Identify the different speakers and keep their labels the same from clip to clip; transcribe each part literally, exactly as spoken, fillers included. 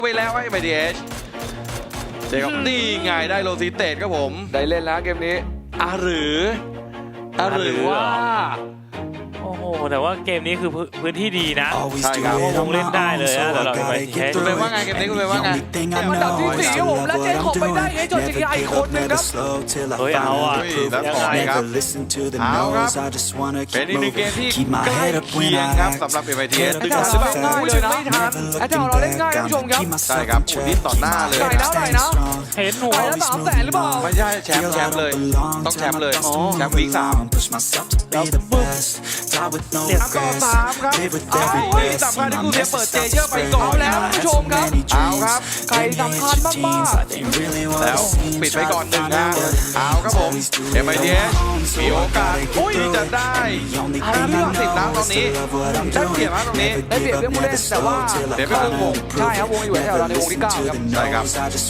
Speaker 1: ไปแล้วไอ้ไมดีเอชเจครับนี่ไงได้โรซิเตตครับผม
Speaker 2: ได้เล่นแล้วเกมนี้
Speaker 1: อ่ะหรืออ่ะหรือว่า
Speaker 3: โอ้โหแต่ว่าเกมนี้คือพื้นที่ดีนะ
Speaker 1: ใช่ครับ
Speaker 3: คงเล่นได้เลยนะแต่เราไม่เช็ค
Speaker 1: คุณเป็นว่าไงเกมนี้คุณเป็นว่าไง
Speaker 2: อันดับที่สี่ครับผมและเจคอบไปได้เอจนจีไอคนหนึ่งครับ
Speaker 3: เฮ้ยเอาอ่ะ
Speaker 1: แล้วต่อครับเอาครับเป็นอีกหนึ่งเกมที่ใกล้เคียงครับสำหรับ เอ็ม ไอ ที เอส ดึงทันหรือเปล่าง่ายเลยนะไม่ทัน
Speaker 2: แอตแทกเราเล่นง่ายคุณผู้ชมครับ
Speaker 1: ใช่ครับโอ้นี่ต่อหน้าเลย
Speaker 2: ไก่นะไก่นะ
Speaker 3: เห็นหัว
Speaker 2: ไก่ละสามแสนหรือเปล่า
Speaker 1: ไม่ใช่แชมป์แชมป์เลยต้องแชมป์เลยแชมป์วีคสาม
Speaker 2: แล้วปึ๊บ
Speaker 1: สามต่อสามครับเอาที่สำคัญที่กูเสียเปิดเจเยอร์ไปก่อน
Speaker 2: แล้วคุณผู้ชมครับ
Speaker 1: เอาครับ
Speaker 2: ไก่สำคัญมาก
Speaker 1: ๆแล้วปิดไปก่อนหนึ่งนะเอาครับผม เอ็ม ไอ ที เอส มีโอกาสที่จะได้ห้าเรื่องสิบนะตอนนี้ได้เปรียบนะตรงนี้
Speaker 2: ได้เปรียบเรื่องผู้เล่นแต่ว่า
Speaker 1: เดี๋ยวไปเรื่องวง
Speaker 2: ใช่ครับวงอยู่แถวเราในวงที่เก้าครับ
Speaker 1: ใช่ครับ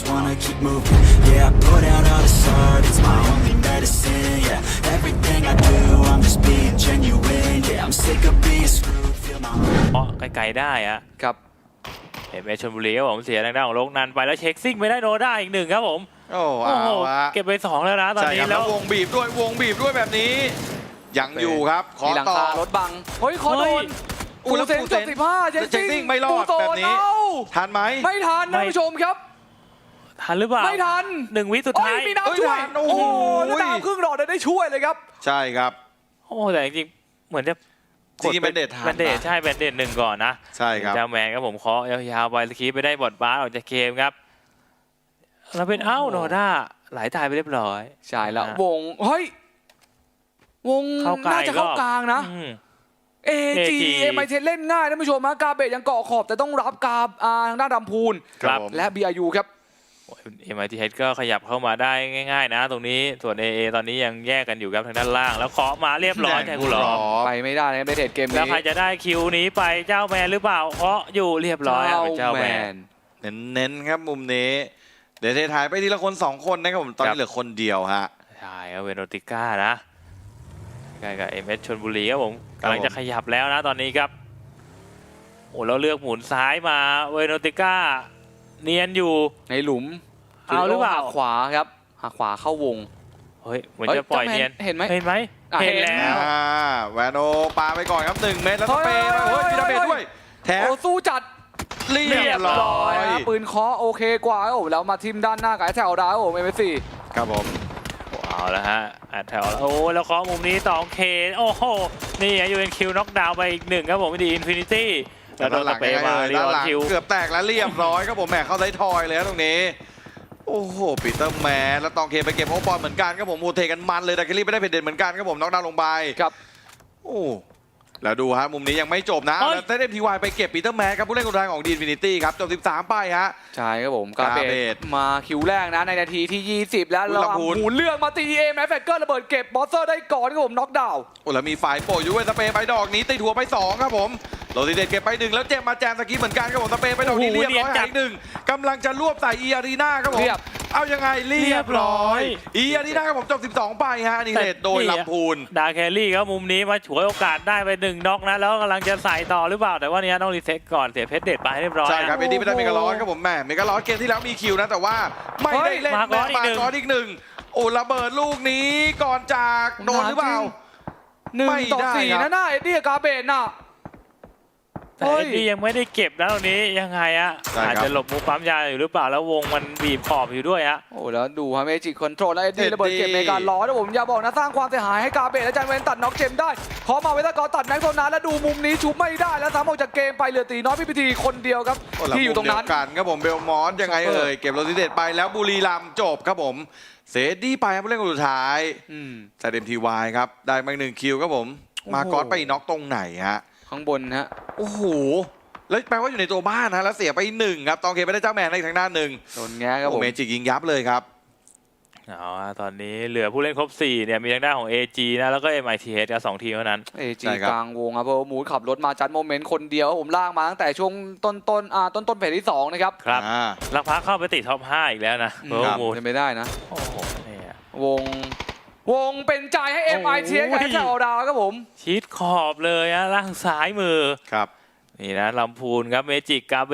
Speaker 3: เพราะไกลๆได้อะ
Speaker 2: ครับ
Speaker 3: เห็นไหมชลบุรีครับผมเสียทางด้านของโลกนันไปแล้วเช็คซิ่งไม่ได้โนด้าอีกหนึ่งครับผม
Speaker 1: โอ้โห
Speaker 3: เก็บไปสองแล้วนะตอนนี้
Speaker 1: แล้ววงบีบด้วยวงบีบด้วยแบบนี้ยังอยู่ครับขอต่อ
Speaker 2: รถบังเฮ้ยขอโดนอูเซนจบสิบห้าเช็คซิ่ง
Speaker 1: ไม่รอดแบบนี้ทันไหม
Speaker 2: ไม่ทันนะผู้ชมครับ
Speaker 3: ทันหรือเปล่า
Speaker 2: ไม่ทัน
Speaker 3: หนึ่งวิสุดท้าย
Speaker 2: มีน้ำช่วยโอ้โหน้ำครึ่งหลอดได้ช่วยเลยครับ
Speaker 1: ใช่ครับ
Speaker 3: โอ้แต่จริงๆเหมือนจะ
Speaker 1: จริงๆแบนเดตทัน
Speaker 3: แบนเดตใช่แบนเดตหนึ่งก่อนนะ
Speaker 1: ใช่ครับ
Speaker 3: เจ้าแมนครับผมเคาะยาวๆไปสกีไปได้บอดบาสออกจากเกมครับเราเป็นเอ้าโนด้าไหลตายไปเรียบร้อย
Speaker 2: ใช่แล้ววงเฮ้ยวงน่าจะเข้ากลางนะเอจีเอ็มไอเทเล่นง่ายท่านผู้ชมฮะกาเบตยังเกาะขอบแต่ต้องรับกาทางด้านดำพูนและบีอายูครับ
Speaker 3: เอ็มไอทีเฮดก็ขยับเข้ามาได้ง่ายๆนะตรงนี้ส่วน เอ เอ ตอนนี้ยังแยกกันอยู่ครับทางด้านล่างแล้วเคาะมาเรียบร้อยแค่กูหลอ
Speaker 2: ไปไม่ได้ในเบเทเกมนี้
Speaker 3: แล้วใครจะได้คิวนี้ไปเจ้าแมนหรือเปล่าเคาะอยู่เรียบร้อยเป็นเจ้าแมน
Speaker 1: เน้นๆครับมุมนี้เดี๋ยวเทถ่ายไปทีละคนสองคนนะครับผมตอนนี้เหลือคนเดียวฮะ
Speaker 3: ใช่ครับเวโนติก้านะใกล้กับเอ็มเอสชลบุรีครับผมกำลังจะขยับแล้วนะตอนนี้ครับโอ้เราเลือกหมุนซ้ายมาเวโนติก้าเนียนอยู่
Speaker 2: ในหลุม
Speaker 3: เอาหรือเปล่า
Speaker 2: ขวาครับหักขวาเข้าวง
Speaker 3: เฮ้ยเหมือนจะปล่อยเนียน
Speaker 2: เห็นไหม
Speaker 3: เห็นไหม
Speaker 2: เห็นแล้ว
Speaker 1: แวนโอปาไปก่อนครับหนึ่งเมตรแล้วสเปย์เฮ้ยมีดาเมจด้วยแถม
Speaker 2: สู้จัดเรียบร้อยปืนเคาะโอเคกว่าโอ้แล้วมาทิมด้านหน้ากับแถวดาวโอ้เอ็มเอสซี
Speaker 1: ครับผม
Speaker 3: เอาแล้วฮะแถวโอ้แล้วเคาะมุมนี้ต่อเคโอ้โหนี่ยูเอ็นคิวน็อกดาวน์ไปอีกหนึ่งครับผมดีอินฟินิตี้
Speaker 1: แล้วโดนสเปย์มาด้านหลังเกือบแตกแล้วเรียบร้อยครับผมแหมเข้าไซทอยเลยตรงนี้โอ้โหปีเตอร์แมนแล้วตองเคไปเก็บโอบอลเหมือนกันครับผมโมเทกันมันเลยแต่เคลลี่ไม่ได้เพดเด่นเหมือนกันครับผมน็อกดาวน์ลงไป
Speaker 2: ครับ
Speaker 1: โอ้แล้วดูฮะมุมนี้ยังไม่จบนะแล้วเต้นทีวายไปเก็บปีเตอร์แมนครับผู้เล่นคนแรกของดีนฟินิตี้ครับจบสิบสามไปฮะ
Speaker 2: ใช่ครับผมกาเบตมาคิวแรกนะในนาทีที่ยี่สิบแล้วเราหมุนเลือกมาตีเอแมฟแฟกเกอร์ระเบิดเก็บบอสเซอร์ได้ก่อนครับผมน็อกดาวน์
Speaker 1: โอ้แล้วมีฝ่ายโปรยูเวนสเปย์ไปดอกนี้ตีถัวไปสองครับผมโรซิเดตเก็บไปหนึ่งแล้วเจมมาแจมสกีเหมือนกันครับผมสเปย์ไปดอกนี้เรียบร้อยอีกหนึ่งกำลังจะรวบใส่อีอารีนาครับผมเอายังไงเรียบร้อยอีอารีนาครับผมจบสิบสองไปฮะนี่เลดโดยลำพูน
Speaker 3: ดาแคลรี่ครับมุมนี้มาฉวยโอกาสได้ไปหนึ่งน็อกนะแล้วกำลังจะใส่ต่อหรือเปล่าแต่ว่านี้ต้องรีเซ็ตก่อนเสียเพชรเด็ดไปเรียบร้อย
Speaker 1: ใช่ครับเอ็ดดี้ไม่ได้เมกาลอสครับผมแม่เมกาลอสเกมที่แล้วมีคิวนะแต่ว่าไม่ได้เล่น
Speaker 3: มาก่อน
Speaker 1: อีกหนึ่งโอ้ระเบิดลูกนี้ก่อนจากโดนหรือเปล่า
Speaker 2: หนึ่งต่อสี่นะหน้าเอ็ดดี้กาเบนน่ะ
Speaker 3: แต่เอ็ดดี้ยังไม่ได้เก็บนะตรงนี้ยังไงอะอาจจะหลบมุกปั๊มยาอยู่หรือเปล่าแล้ววงมันบีบขอบอยู่ด้วยฮะ
Speaker 2: โอ้แล้วดูฮะเมจิกคอนโทรลแล้วเอ็ดดี้ระเบิดเก็บในการล้อนะผมอย่าบอกนะสร้างความเสียหายให้กาเบตและจันเวนตัดน็อกเจมได้ขอมาเวลากอตัดแม็กโซนาแล้วดูมุมนี้ชุบไม่ได้แล้วสามออกจากเกมไปเหลือตีน้อยพิพิธีคนเดียวครับที่อยู่ตรงนั้น
Speaker 1: กันครับผมเบลมอสยังไงเอ่ยเก็บโรซิเดตไปแล้วบุรีรัมย์จบครับผมเซดี้ไปครับผู้เล่นคนสุดท้ายแต่เดมทีวายครับได้มาหนึ่งคิวครับผมมากอสไปน็อกตรงไหนฮะ
Speaker 2: ข้างบนฮะ
Speaker 1: โอ้โหแล้วแปลว่าอยู่ในตัวบ้านนะแล้วเสียไปหนึ่งครับตองเคไม่ได้เจ้าแมนในทางด้านหนึ่ง
Speaker 2: โดนแง่ครับผม
Speaker 1: เมจิกยิงยับเลยครับ
Speaker 3: เอาตอนนี้เหลือผู้เล่นครบสี่เนี่ยมีทางด้านของ เอ จี นะแล้วก็ เอ็ม ไอ ที เอส กับสองทีมเท่านั้น
Speaker 2: เอ จี กลางวงครับเพราะมูดขับรถมาจัดโมเมนต์คนเดียวผมลากมาตั้งแต่ช่วงต้นต้นอ่าต้นต้นเฟสที่สองนะครับ
Speaker 3: ครับลักพักเข้าไปติดท็อปห้าอีกแล้วนะเพราะมูด
Speaker 2: จะไม่ได้นะ
Speaker 3: โอ้โหเนี่
Speaker 2: ยวงวงเป็นใจให้ เอ็ม ไอ ที เอส กับแถวดาวครับผม
Speaker 3: ชิดขอบเลยนะล่างซ้ายมือ
Speaker 1: ครับ
Speaker 3: นี่นะลำพูนครับเมจิกกาเบต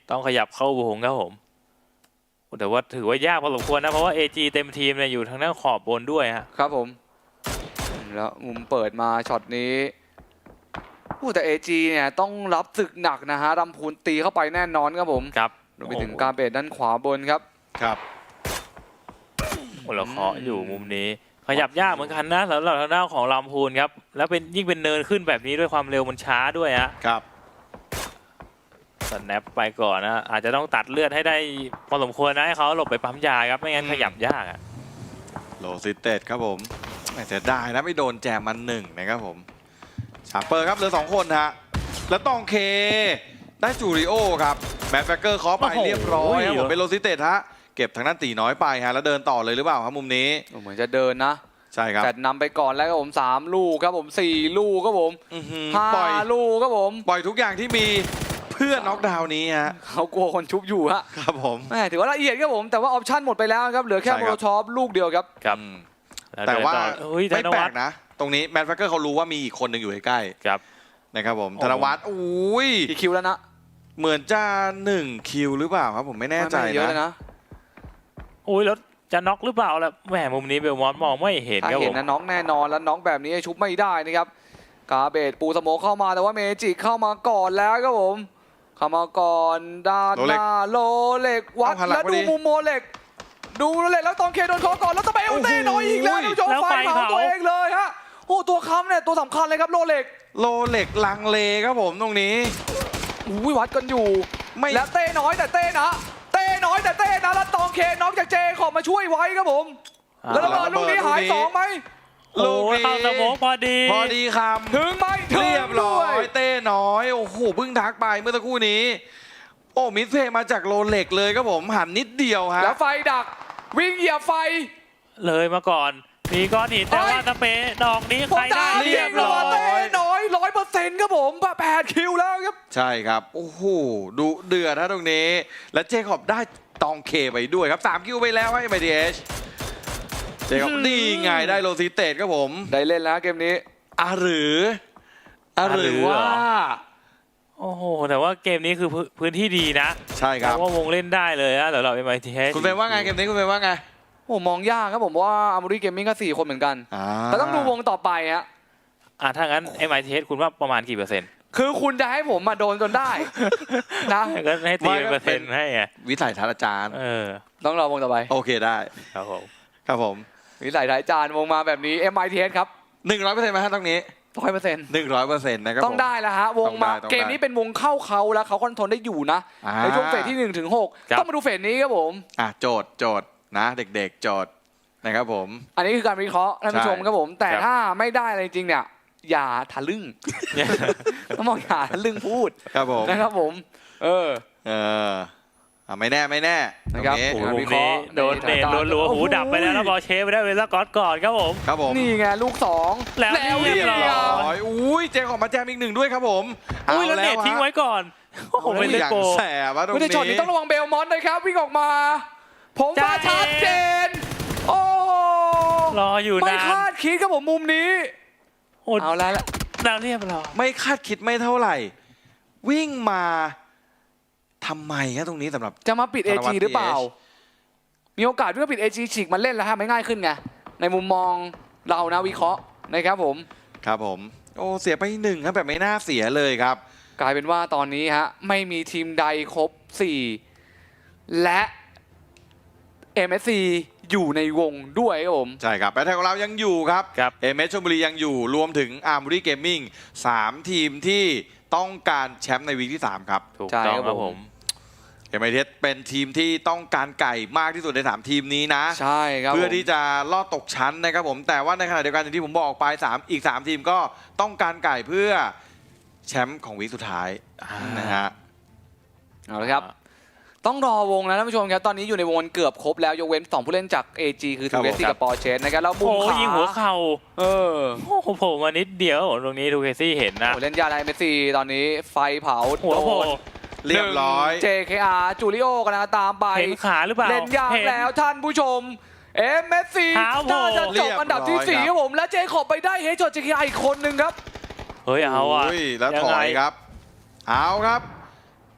Speaker 3: ต้องขยับเข้าวงครับผมแต่ว่าถือว่ายากพอสมควรนะเพราะว่า เอ จี เต็มทีมเนี่ยอยู่ทางด้านขอบบนด้วยฮะ
Speaker 2: ครับผมแล้วมุมเปิดมาช็อตนี้โอ้แต่ เอ จี เนี่ยต้องรับศึกหนักนะฮะรำพูนตีเข้าไปแน่นอนครับผม
Speaker 3: ครับ
Speaker 2: รวมไปถึงการเบดด้านขวาบนครับ
Speaker 1: ครับ
Speaker 3: โอ้เราเคาะอยู่มุมนี้ ขยับยากเหมือนกันนะสำหรับทางด้านของลำพูนครับแล้วเป็นยิ่งเป็นเนินขึ้นแบบนี้ด้วยความเร็วมันช้าด้วยฮะ
Speaker 1: ครับ
Speaker 3: สแนปไปก่อนนะอาจจะต้องตัดเลือดให้ได้พอสมควรนะให้เขาหลบไปปั๊มยาครับไม่งั้นขยับยากอะ
Speaker 1: โลซิเต็ดครับผมไม่เสียดายนะไม่โดนแจมมันหนึ่งนะครับผมชาร์เปอร์ครับเหลือสองคนฮะแล้วตองเคได้จูริโอครับแมนแฟกเกอร์เคาะไปเรียบร้อยครับผมเป็นโลซิเต็ดฮะเก็บทางด้านตีน้อยไปฮะแล้วเดินต่อเลยหรือเปล่าครับมุมนี้
Speaker 2: เหมือนจะเดินนะ
Speaker 1: ใช่ครับ
Speaker 2: แต่นำไปก่อนแล้วครับผมสามลูกครับผมสี่ลูกครับผม
Speaker 1: อื้อหือ
Speaker 2: ห้า
Speaker 1: ปล่อย
Speaker 2: ลูกครับผม
Speaker 1: ปล่อยทุกอย่างที่มีเพื่อน็อกดาวน์นี้ฮะ
Speaker 2: เขากลัวคนชุบอยู่ฮะ
Speaker 1: ครับผม
Speaker 2: แม่ถือว่าละเอียดครับผมแต่ว่าออปชั่นหมดไปแล้วครับเหลือแค่
Speaker 1: ใช่
Speaker 2: โม
Speaker 1: ครับ
Speaker 2: โลชอปลูกเดียวครับ
Speaker 3: ครับ
Speaker 1: อืม
Speaker 3: ล้
Speaker 1: แต่ว่า
Speaker 3: เดินต่อเฮ้ยธ
Speaker 1: ไม่
Speaker 3: น
Speaker 1: แปล
Speaker 3: วัฒ
Speaker 1: ก
Speaker 3: น์
Speaker 1: นะ ตรงนี้แมนแฟกเกอร์เขารู้ว่ามีอีกคนหนึ่งอยู่ใกล้
Speaker 3: ครับ
Speaker 1: ๆนะครับผม
Speaker 3: โอ้
Speaker 1: ธนวัฒน์อุ้ย
Speaker 2: กี่คิวแล้วนะ
Speaker 1: เหมือนจะหนึ่งคิวหรือเปล่าครับผมไม่แน่ใจ
Speaker 2: ไม่เยอะเลย
Speaker 1: นะ
Speaker 2: นะ
Speaker 3: โอ้ยแล้วจะน็อกหรือเปล่าล่ะแหมมุมนี้เบลมอนต์มองไม่เห็น
Speaker 2: ถ้า
Speaker 3: ครับ
Speaker 2: เห็
Speaker 3: ผ
Speaker 2: น
Speaker 3: ม
Speaker 2: นะน้องแน่นอนแล้วน้องแบบนี้ชุบไม่ได้นะครับกาเบตปูสโมเข้ามาแต่ว่าเมจิเข้ามาก่อนแล้วครับผมเข้ามาก่อนด้านหน้าโลเล็กวัด
Speaker 1: เอาหันหลัง
Speaker 2: แล้ว
Speaker 1: พอ
Speaker 2: ดู
Speaker 1: ดี
Speaker 2: มุมโมเล็ก ดูโลเล็กแล้วตองเคโดนเคอก่อนแล้วสเปลเต้น้อยอีกแล้วท่านผู้ชม
Speaker 3: แล้ว
Speaker 2: ไฟ
Speaker 3: ไฟ
Speaker 2: เผา
Speaker 3: เผา
Speaker 2: ตัวเองเลยฮะโอ้ตัวค้ำเนี่ยตัวสำคัญเลยครับโลเล็ก
Speaker 1: โลเล็กลังเลครับผมตรงนี้
Speaker 2: อุ้ยวัดกันอยู่
Speaker 1: ไม่
Speaker 2: แล้วเต้น้อยแต่เต้นะเต้น้อยแต่เต้นะแล้วตองเคน้องจากเจขอบมาช่วยไว้ครับผมแล้วระเบิดลูกนี้หายสองไหม
Speaker 3: โอ้ยเข้าสโมองพอดี
Speaker 1: พอดีค
Speaker 2: ถึงไหม
Speaker 1: ำ
Speaker 2: ถึง
Speaker 1: เรียบร้อ
Speaker 2: ด้วย
Speaker 1: เต้น้อยโอ้โหเพิ่งทักไปเมื่อสักครู่นี้ โอ้มิดเพย์มาจากโลเล็กเลยครับผมหันนิดเดียวฮะ
Speaker 2: แล้วไฟดักวิ่งเหยียบไฟ
Speaker 3: เลยมาก่อน มีก้อนหินแต่ว่าสเปรย์ดอกนี้
Speaker 2: ผม
Speaker 3: ใครได้
Speaker 2: ตาม
Speaker 3: เรี
Speaker 2: เรี
Speaker 3: ย
Speaker 2: ย
Speaker 3: บบ ร้
Speaker 2: ร้
Speaker 3: อ
Speaker 2: อย
Speaker 3: ย
Speaker 2: เต้น้อยร้อยเปอร์เซ็นต์ครับผมแปดคิวแล้วครับ
Speaker 1: ใช่ครับโอ้โหดูเดือดนะตรงนี้ และเจคอบได้ตองเคไปด้วยครับสามคิวไปแล้วให้ไมดีเอชเจคอบดีไงได้โลซิเตตครับผม
Speaker 2: ได้เล่นแล้วเกมนี้
Speaker 1: อ่ะหรืออ่ะหรือว่า
Speaker 3: โอ้โหแต่ว่าเกมนี้คือพื้นพื้นที่ดีนะ
Speaker 1: ใช่ค
Speaker 3: เพ
Speaker 1: รับ
Speaker 3: ราะว่าวงเล่นได้เลยนะสำหรับ เอ็ม ไอ ที เอช
Speaker 1: คุณเป็นว่าไงเกมนี้คุณเป็นว่าไง
Speaker 2: โอ้มองยากครับผมเพราะว่าอามูรีเกมมิ่งก็สี่คนเหมือนกัน
Speaker 1: อ่า
Speaker 2: แต่ต้องดูวงต่อไปฮะ
Speaker 3: อ่ะถ้างั้น เอ็ม ไอ ที เอช คุณว่าประมาณกี่เปอร์เซ็นต์
Speaker 2: คือคุณจะให้ผมมาโดนจนได้ นะ
Speaker 3: ก็ให้ตีเป็นเปอร์เซ็นต์ให้ไง
Speaker 1: วิสัยทัศน์อาจารย์
Speaker 3: เออ
Speaker 2: ต้องรอวงต่อไป
Speaker 1: โอเคได้
Speaker 3: ครับผม
Speaker 1: ครับผม
Speaker 2: วิสัยท้ายจานวงมาแบบนี้ เอ็ม ไอ ที เอส ครับ
Speaker 1: หนึ่งร้อยเปอร์เซ็นต์ไหมฮะตรงนี้
Speaker 2: ร้อยเปอร์เซ็นต์
Speaker 1: หนึ่งร้อยเปอร์เซ็นต์นะครับ
Speaker 2: ต้อง
Speaker 1: ผม
Speaker 2: ได้แล้วฮะวงมา
Speaker 1: ต้องได้
Speaker 2: เกมนี้เป็นวงเข้าเขาแล้วเขาคอนโทรลได้อยู่นะ
Speaker 1: อ่า
Speaker 2: ในช่วงเฟสที่หนึ่งถึงหกต้องมาดูเฟสนี้ครับผม
Speaker 1: อ่ะโจทย์โจทย์นะเด็กๆโจทย์นะครับผม
Speaker 2: อันนี้คือการวิเคราะห์ท่านผู้ชม
Speaker 1: ใช่
Speaker 2: ครับผม แต่
Speaker 3: ครับ
Speaker 2: ถ้าไม่ได้อะไรจริงเนี่ย อย่าทะลึ่ง ต้องบอกอย่าทะลึ่งพูด
Speaker 1: ครับผม
Speaker 2: นะครับผม เออ
Speaker 1: เอออ่ะไม่แน่ไม่แน่
Speaker 2: นะครับ
Speaker 1: ตง
Speaker 3: โอ้โห
Speaker 2: อ่า
Speaker 3: มุ
Speaker 2: วิ
Speaker 3: ม
Speaker 2: เครา
Speaker 3: นี้
Speaker 2: ะห์
Speaker 3: โดนเนต
Speaker 2: ในสถานการณ์
Speaker 3: รัวๆหู
Speaker 2: โอ้โห
Speaker 3: ดับไปแล้วแล้วบอลเชฟไปได้เวลาก๊อตก่อนครับผม
Speaker 1: ครับผม
Speaker 2: นี่ไงลูกสอง
Speaker 3: แล้ว
Speaker 2: เรี
Speaker 3: เรี
Speaker 2: ย
Speaker 3: ย
Speaker 2: บบ ร้
Speaker 3: ร้
Speaker 2: อ
Speaker 3: อย
Speaker 1: ยอุ้ยเจขอมาแจมอีกหนึ่งด้วยครับผม
Speaker 3: อุ้ยแล้วเนต
Speaker 1: ฮะ
Speaker 3: ทิ้งไว้ก่อนโอ้โหเป็นเล
Speaker 1: อย่าง
Speaker 3: โก
Speaker 1: แสบวะตรง
Speaker 2: ไม่ได้
Speaker 1: นี้
Speaker 2: ช็อตนี้ต้องระวังเบลมอนต์นะครับวิ่งออกมา ผมว่า
Speaker 3: จ้า
Speaker 2: ชัดเจน โอ้
Speaker 3: รออยู่
Speaker 2: ไม่
Speaker 3: นาน
Speaker 2: คาดคิดครับผมมุมนี้
Speaker 3: โอ้
Speaker 2: เอาแล้วละ
Speaker 3: แล้วเรียบร้อย
Speaker 1: ไม่คาดคิดไม่เท่าไหร่ วิ่งมาทำไมครับตรงนี้สำหรับ
Speaker 2: จะมาปิด เอ
Speaker 1: ธนวั
Speaker 2: จี
Speaker 1: ฒน์
Speaker 2: หรือเปล่า
Speaker 1: พี เอช
Speaker 2: มีโอกาสที่จะปิด เอ จี ฉีกมาเล่นแล้วฮะไม่ง่ายขึ้นไง ในมุมมองเรานะวิเคราะห์นะครับผม
Speaker 1: ครับผม โอ้เสียไปหนึ่งครับแบบไม่น่าเสียเลยครับ
Speaker 2: กลายเป็นว่าตอนนี้ฮะไม่มีทีมใดครบ สี่ และ เอ็ม เอส ซี อยู่ในวงด้วยครับผม
Speaker 1: ใช่ครับแบทเทิลของเรายังอยู่ครับ
Speaker 3: ครับ
Speaker 1: เอเมชลบุรียังอยู่รวมถึงอาร์มูรี่เกมมิ่งสามทีมที่ต้องการแชมป์ในวีคที่ สาม ครับ
Speaker 3: ถูก
Speaker 2: ใช่
Speaker 3: ต้อง
Speaker 2: ครับ
Speaker 3: ครับ
Speaker 2: ผ
Speaker 3: ผม ม
Speaker 1: เอ็มไอเทสเป็นทีมที่ต้องการไก่มากที่สุดในสามทีมนี้นะ
Speaker 2: ใช่ครับ
Speaker 1: เพื่อ
Speaker 2: ผม
Speaker 1: ที่จะลอดตกชั้นนะครับผมแต่ว่าในขณะเดียวกันอย่างที่ผมบอกไปสามอีกสามทีมก็ต้องการไก่เพื่อแชมป์ของวีคสุดท้ายนะฮะ
Speaker 2: เอาละครับ ต้องรอวงนะท่านผู้ชมครับ ตอนนี้อยู่ในวงเกือบครบแล้วยกเว้นสองผู้เล่นจาก เอ จี คือ
Speaker 1: ครั
Speaker 2: ทู
Speaker 1: บ
Speaker 2: เว
Speaker 1: ผม
Speaker 2: สซี่กับปอร์เชสนะครับแล้วมุ
Speaker 3: โอ้
Speaker 2: มขา
Speaker 3: ยิงหัวเข่า
Speaker 2: เออ
Speaker 3: โอ้โหโผล่มานิดเดียวตรงนี้ทูเคซี่เห็นนะ
Speaker 2: โอ้เล่นยาไดเมสซี่ตอนนี้ไฟเผา
Speaker 3: หัวโผล่
Speaker 1: เรียบร้อย
Speaker 2: เจ เค อาร์ จูริโอกำลังตามไป
Speaker 3: เห็นขาหรือเปล่า
Speaker 2: เล่นยาก
Speaker 3: ห็น
Speaker 2: แล้วท่านผู้ชม เอ็มเอสซี
Speaker 3: เท้าโผล่
Speaker 2: น่าจะจบอันดับที่สี่ครับผม และเจขอบไปได้เฮจอดเจ เค อาร์ อีกคนหนึ่งครับ
Speaker 3: เฮ้ยเอาอ่ะ
Speaker 1: โยแล้ว
Speaker 3: ยั
Speaker 1: ถ
Speaker 3: งไง
Speaker 1: อยครับ เอาครับ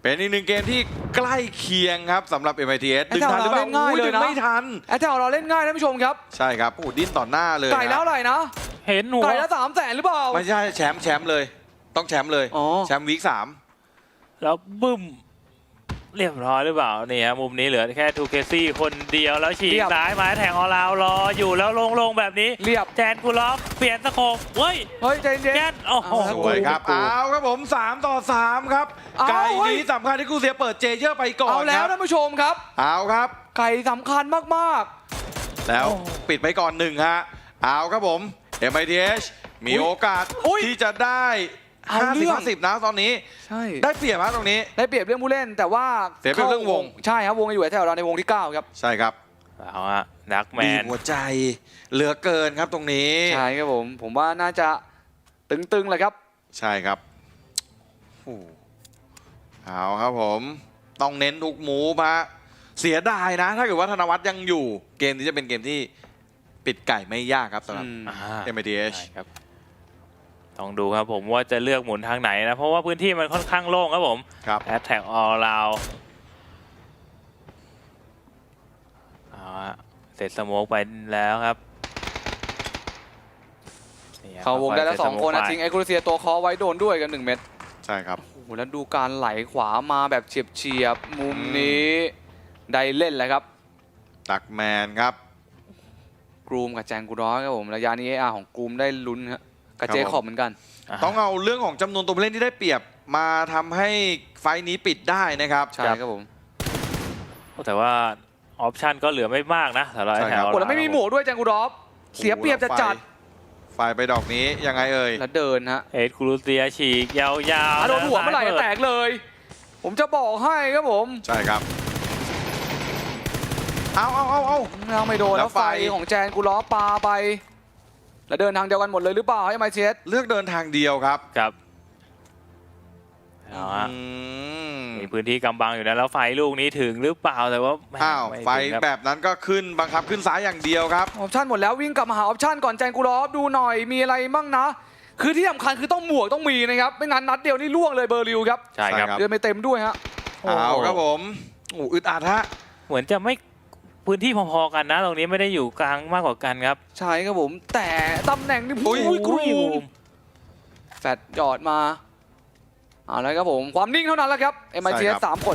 Speaker 1: เป็นอีกหนึ่งเกมที่ใกล้เคียงครับสำหรับ เอ็ม ไอ ที เอส ดึงทันหรือเปล่า
Speaker 2: ง่ายเลยนะ
Speaker 1: ดึงไม่ทัน
Speaker 2: แอตแทกของเราเล่นง่ายท่านผู้ชมครับ
Speaker 1: ใช่ครับโอ้โหดิ้นต่อหน้าเลย
Speaker 2: ไก่แล้วอะไรนะ
Speaker 3: เห็นหัว
Speaker 2: ไก่แล้วสามแสนหรือเปล่า
Speaker 1: ไม่ใช่แชมป์แชมป์เลย ต้องแชมป์เลย
Speaker 2: อ๋อ
Speaker 1: แชมป์วีคสาม
Speaker 3: แล้วบึ้มเรียบร้อยหรือเปล่านี่ฮะมุมนี้เหลือแค่ทูเคซี่คนเดียวแล้วฉีกซ้ายมาแทงออลาวรออยู่แล้วลงๆแบบนี้
Speaker 2: เรียบ
Speaker 3: แจนกูล็อกเปลี่ยนสโคปเฮ้ย
Speaker 2: เฮ้ยใจเย็น
Speaker 3: แจนโอ้โห
Speaker 1: สวยครับ
Speaker 2: กู
Speaker 1: เอาครับผมสามต่อสามครับ
Speaker 2: เอา
Speaker 1: ไก่
Speaker 2: เฮ้ย
Speaker 1: นี้สำคัญที่กูเสียเปิดเจเยอร์ไปก่อน
Speaker 2: เอาแล้ว
Speaker 1: ค
Speaker 2: ท่า
Speaker 1: รับ
Speaker 2: นผู้ชมครับ
Speaker 1: เอาครับ
Speaker 2: ไก่สำคัญมาก
Speaker 1: แล้วปิดไปก่อนหนึ่งฮะเอาครับผม เอ็ม ไอ ที เอส มีโอกาส
Speaker 2: อุ๊ย
Speaker 1: ที่จะได้
Speaker 2: เอาเรื่
Speaker 1: ห้าสิบ
Speaker 2: อง
Speaker 1: ห้าสิบนะตอนนี้
Speaker 2: ๆ ใช่
Speaker 1: ได้เปรียบฮะตรงนี้
Speaker 2: ได้เปรียบเรื่องผู้เล่นแต่ว่า
Speaker 1: เสียเปรียบเรื่องวง
Speaker 2: ใช่ครับวงอยู่แถวเราในวงที่เก้าครับ
Speaker 1: ใช่ครับ
Speaker 3: เอาฮะดักแม
Speaker 1: บีบ
Speaker 3: น
Speaker 1: หัวใจเหลือเกินครับตรงนี้
Speaker 2: ใช่ครับผมผมว่าน่าจะตึงๆเลยครับ
Speaker 1: ใช่ครับโอ้เอาครับผม ต้องเน้นทุกหมูพะเสียดายนะ ถ้าเกิดว่าธนวัฒน์ยังอยู่ เกมนี้จะเป็นเกมที่ปิดไก่ไม่ยากครับสำหรับ
Speaker 2: อืม
Speaker 3: อ่า
Speaker 1: เอ็ม ไอ ที เอส
Speaker 3: ใช่ครับต้องดูครับผมว่าจะเลือกหมุนทางไหนนะ เพราะว่าพื้นที่มันค่อนข้างโล่งครับผม
Speaker 1: ครับ
Speaker 3: แอตแทกออลราวเอาฮะเสร็จสโมกไปแล้วครับนี่ครับ
Speaker 2: เขาวงได้แล้วสองคนนะ
Speaker 3: เสร็จ
Speaker 2: ทิ้งไอคูเซียตัวคอไว้โดนด้วยกันหนึ่งเม็ด
Speaker 1: ใช่ครับ
Speaker 2: โอ้โหแล้วดูการไหลขวามาแบบเฉียบๆมุมนี้ได้เล่นเลยครับ
Speaker 1: ตักแมนครับ
Speaker 2: กรูมกับแจงกูร้อยครับผมระยะนี้ เอ อาร์ ของกรูมได้ลุ้นครับกับ
Speaker 1: ครับ
Speaker 2: เจ
Speaker 1: ผม
Speaker 2: คอบเหมือนกัน
Speaker 3: อ่า
Speaker 1: ต้องเอาเรื่องของจำนวนตัวผู้เล่นที่ได้เปรียบมาทำให้ไฟล์นี้ปิดได้นะครับ
Speaker 2: ใช่ครับผม
Speaker 3: แต่ว่าออปชันก็เหลือไม่มากนะสำหรับ
Speaker 1: ใช่
Speaker 3: แถ
Speaker 1: ครับ
Speaker 3: ว
Speaker 2: โอ้แล้วไม่มีหมวกด้วยแจงกูรอฟเสียเปรียบจะจัด
Speaker 1: ไฟล์ไปดอกนี้ยังไงเอ่ย
Speaker 2: แล้วเดินฮะ
Speaker 3: เอ็ดคูรูเซียฉีกยาวๆ
Speaker 2: อ่ะโดนหัวเมื่อไหร่จะแตกเลย ผมจะบอกให้ครับผม
Speaker 1: ใช่ครับ เอาเอาเอาเอา
Speaker 2: เราไม่โดน
Speaker 1: แล้
Speaker 2: แล้ว ว
Speaker 1: ไฟ
Speaker 2: ไฟของแจนกูล้อปาไป แล้วเดินทางเดียวกันหมดเลยหรือเปล่าให้ไมเชส
Speaker 1: เลือกเดินทางเดียวครับ
Speaker 3: ครับเอาฮะ
Speaker 1: อืม
Speaker 3: มีพื้นที่กำบังอยู่นะแล้วไฟลูกนี้ถึงหรือเปล่าแต่ว่าแม่
Speaker 1: อ้าว
Speaker 3: ม่
Speaker 1: ไฟ
Speaker 3: ถึงครับ
Speaker 1: แบบนั้นก็ขึ้นบังคับขึ้นซ้ายอย่างเดียวครับ
Speaker 2: ออปชั่นหมดแล้ววิ่งกลับมาหาออปชั่นก่อนแจนกูล้อดูหน่อยมีอะไรมั่งนะ คือที่สำคัญคือต้องหมวกต้องมีนะครับไม่งั้นนัดเดียวนี่ล่วงเลยเบอร์ริวครับ
Speaker 3: ใช่ครับ
Speaker 1: ใช่ครับ
Speaker 2: เดินไปเต็มด้วยฮะ
Speaker 1: เอาครับผมโอ้อึดอัดฮะ
Speaker 3: เหมือนจะไม่พื้นที่พอๆกันนะ ตรงนี้ไม่ได้อยู่กลางมากกว่ากันครับ
Speaker 2: ใช่ครับผม แต่ตำแหน่งนี่
Speaker 1: อุ้ย
Speaker 2: อุ้ยกรู
Speaker 3: โอ้โห
Speaker 2: มแฟดหยอดมาเอาแล้วครับผมความนิ่งเท่านั้นแหละครับเอ็มไอที
Speaker 1: ใช่ครับ
Speaker 2: สามคน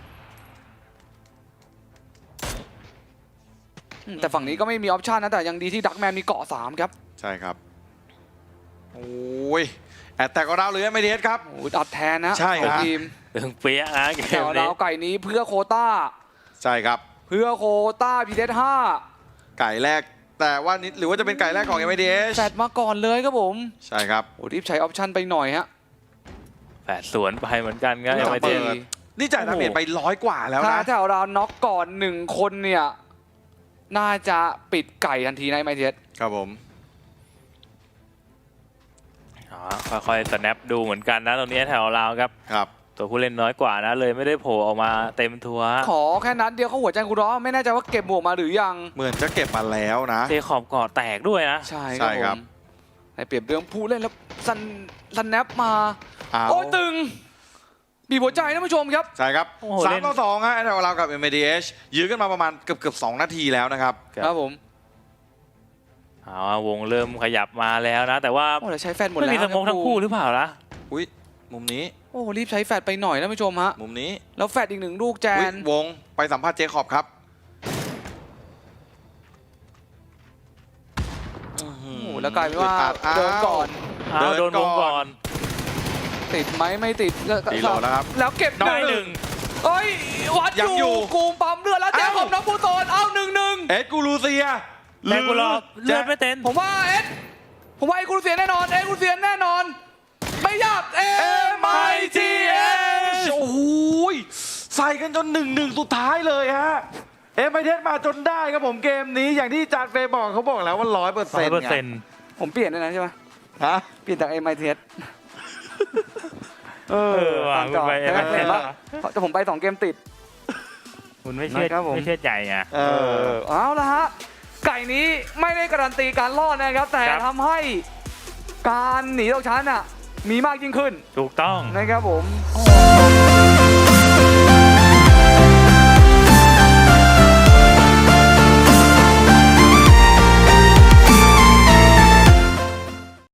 Speaker 2: อืมแต่ฝั่งนี้ก็ไม่มีออปชันนะแต่ยังดีที่ดักแมนมีเกาะสามครับ
Speaker 1: ใช่ครับ โอ้ยแอดแต่ก็เราเลยไม่เทสครับ
Speaker 2: โอ้ยอัดแทนนะ
Speaker 1: ใช่
Speaker 2: ของ
Speaker 1: ฮะ
Speaker 2: ทีม
Speaker 3: ตึงเปี้ยนะเก
Speaker 2: แต่
Speaker 3: ม
Speaker 2: ว่า
Speaker 3: นี้
Speaker 2: เราไก่นี้เพื่อโควต้า
Speaker 1: ใช่ครับ
Speaker 2: เพื่อโควต้าพีเดห้า
Speaker 1: ไก่แรก แต่ว่านิดหรือว่าจะเป็นไก่แรกของ เอ็ม ไอ ที เอส
Speaker 2: แฟดมาก่อนเลยครับผม
Speaker 1: ใช่ครับ
Speaker 2: โอ้รีบใช้ออปชันไปหน่อยฮะ
Speaker 3: แปดสวนไปเหมือนกันครับ
Speaker 1: ไม่
Speaker 3: ยัง
Speaker 1: ต้อง
Speaker 3: ไม่
Speaker 1: เปิ
Speaker 3: เต็
Speaker 1: ด
Speaker 3: ม
Speaker 1: นี่จ่ายดาเมจไปร้อยกว่าแล้ว
Speaker 2: ถ้า
Speaker 1: นะ
Speaker 2: แถวเราน็อกก่อนหนึ่งคนเนี่ยน่าจะปิดไก่ทันทีในไมเทส
Speaker 1: ครับผม
Speaker 3: อ๋อค่อยๆสแนปดูเหมือนกันนะตรงนี้แถวเราครับ
Speaker 1: ครับ
Speaker 3: ตัวผู้เล่นน้อยกว่านะเลยไม่ได้โผล่ออกมาเต็มทัวร์
Speaker 2: ขอแค่นั้นเดียวเขาหัวใจกูร้อไม่แน่ใจว่าเก็บหมวกมาหรือยัง
Speaker 1: เหมือนจะเก็บมาแล้วนะ
Speaker 3: เจขอบก่อแตกด้วยนะ
Speaker 2: ใช่
Speaker 1: ใช่
Speaker 2: ค
Speaker 1: ครั
Speaker 2: รับบ ผมในเปรียบเรื่องผู้เล่นแล้วซันซันแนปมา
Speaker 1: เอา
Speaker 2: โอ้ยตึงบีบหัวใจท่านผู้ชมครับ
Speaker 1: ใช่ครับ
Speaker 3: โอ้โห
Speaker 1: สา
Speaker 3: เล่
Speaker 1: ม
Speaker 3: น
Speaker 1: ต่อสองฮะแถวเรากับ เอ็ม ไอ ที เอส ยื้อกันมาประมาณเกือบเกือบสองนาทีแล้วนะครับ
Speaker 2: ครับผม
Speaker 3: เอาวงเริ่มขยับมาแล้วนะ แต่ว่า
Speaker 2: โอ้แต่ใช้แฟนหมด
Speaker 3: ไม่
Speaker 2: แล้ว
Speaker 3: มีสโมกทั้งคู่หรือเปล่าล่ะ
Speaker 1: อุ้ยมุมนี้
Speaker 2: โอ้รีบใช้แฟดไปหน่อยท่านผู้ชมฮะ
Speaker 1: มุมนี้
Speaker 2: แล้วแฟดอีกหนึ่งลูกแจ
Speaker 1: อุ๊ย
Speaker 2: น
Speaker 1: วงไปสัมภาษณ์เจคอบครับ
Speaker 2: โอ้โหแล้วกลายเป็นว่า
Speaker 1: อึดอัด
Speaker 2: เดินก่อน
Speaker 3: อ้าว
Speaker 1: เดิ
Speaker 3: โด
Speaker 1: น
Speaker 3: น
Speaker 1: ก่
Speaker 3: ว
Speaker 1: อน
Speaker 3: งก่อน
Speaker 2: ติดไหมไม่ติดก็
Speaker 1: ตีโหลแล้วครับ
Speaker 2: แล้วเก็บ
Speaker 3: น้
Speaker 2: ห
Speaker 3: อยห
Speaker 2: นึ่
Speaker 3: นึ่
Speaker 2: ง
Speaker 3: ง
Speaker 2: เอ้ยวัด
Speaker 1: ยัง
Speaker 2: อ
Speaker 1: อยู่
Speaker 2: ยู่กูมปั๊มเลือดแล้วแจ
Speaker 1: เอ้า
Speaker 2: คอบน้องปูโตนเอาหนึ่งหนึ่ง
Speaker 1: เอ็ดกูรูเซีย
Speaker 3: แต่กูรอเลือดไม่
Speaker 1: จะ
Speaker 3: เต็ม
Speaker 2: ผมว่าเอ็ดผมว่าไอ้กูเสียแน่นอนเอ็ดกูเสียแน่นอน ไม่ยากเอ็
Speaker 1: เอ็
Speaker 2: ม
Speaker 1: ม
Speaker 2: ไอ
Speaker 1: ไอ
Speaker 2: ที
Speaker 1: ที
Speaker 2: เอ
Speaker 1: เอ
Speaker 2: ส
Speaker 1: สโอ้โหยใส่กันจนหนึ่งหนึ่งสุดท้ายเลยฮะ เอ็มไอเทสมาจนได้ครับผมเกมนี้อย่างที่จานเฟย์บอกเขาบอกแล้วว่าร้อยเปอร์
Speaker 3: ร้อ
Speaker 1: เซ็น
Speaker 3: ย
Speaker 1: ต์
Speaker 3: เปอร์เซ็นต์
Speaker 2: ผมเปลี่ยนด้วยนะใช่ไหม
Speaker 1: ฮะ
Speaker 2: เปลี่ยนจากเอ็มไอทีเอสเอ
Speaker 3: เอ
Speaker 2: อ
Speaker 3: อว่ะ
Speaker 2: ตาม
Speaker 3: คุ
Speaker 2: จ
Speaker 3: ณ
Speaker 2: อ
Speaker 3: ไป
Speaker 2: เห็นไหมเห็นปะแต่ผมไปสองเกมติด
Speaker 3: คุณไม่เชื่อ
Speaker 2: นะครับผม
Speaker 3: ไม่เชื่อใจไง
Speaker 1: เอ
Speaker 2: เอ
Speaker 1: อ
Speaker 2: อเอาละฮะไก่นี้ไม่ได้การันตีการรอดนะครับ แต่
Speaker 3: ครับ
Speaker 2: ทำให้การหนีตกชั้นอ่ะมีมากยิ่งขึ้น
Speaker 3: ถูกต้อง
Speaker 2: นะครับผม
Speaker 3: โอ้